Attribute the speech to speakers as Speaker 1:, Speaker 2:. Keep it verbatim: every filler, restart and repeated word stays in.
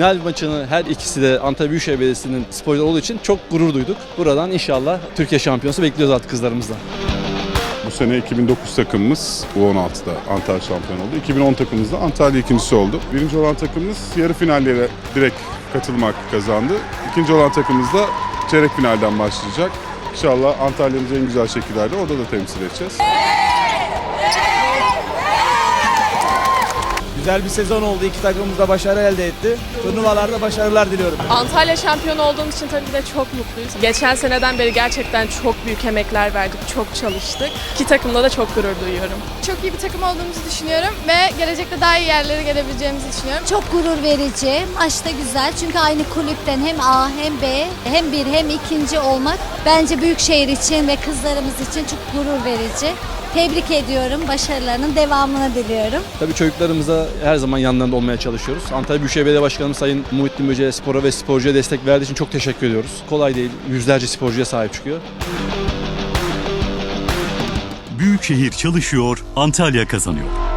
Speaker 1: final maçını her ikisi de Antalya Büyükşehir Belediyesi'nin sporcuları olduğu için çok gurur duyduk. Buradan inşallah Türkiye şampiyonası bekliyoruz artık kızlarımızdan.
Speaker 2: Bu sene iki bin dokuz takımımız U on altıda Antalya şampiyon oldu. iki bin on takımımız da Antalya ikincisi oldu. Birinci olan takımımız yarı finallere direkt katılma hakkı kazandı. İkinci olan takımımız da çeyrek finalden başlayacak. İnşallah Antalya'mızı en güzel şekillerde orada da temsil edeceğiz.
Speaker 3: Güzel bir sezon oldu. İki takımımız da başarı elde etti. Turnuvalarda başarılar diliyorum.
Speaker 4: Antalya şampiyonu olduğumuz için tabii ki de çok mutluyuz. Geçen seneden beri gerçekten çok büyük emekler verdik, çok çalıştık. İki takımla da çok gurur duyuyorum.
Speaker 5: Çok iyi bir takım olduğumuzu düşünüyorum ve gelecekte daha iyi yerlere gelebileceğimizi düşünüyorum.
Speaker 6: Çok gurur verici, maç da güzel çünkü aynı kulüpten hem A hem B hem bir hem ikinci olmak bence Büyükşehir için ve kızlarımız için çok gurur verici. Tebrik ediyorum, başarılarının devamını diliyorum.
Speaker 1: Tabii çocuklarımıza her zaman yanlarında olmaya çalışıyoruz. Antalya Büyükşehir Belediye Başkanımız Sayın Muhittin Böce'ye spora ve sporcuya destek verdiği için çok teşekkür ediyoruz. Kolay değil, yüzlerce sporcuya sahip çıkıyor.
Speaker 7: Büyükşehir çalışıyor, Antalya kazanıyor.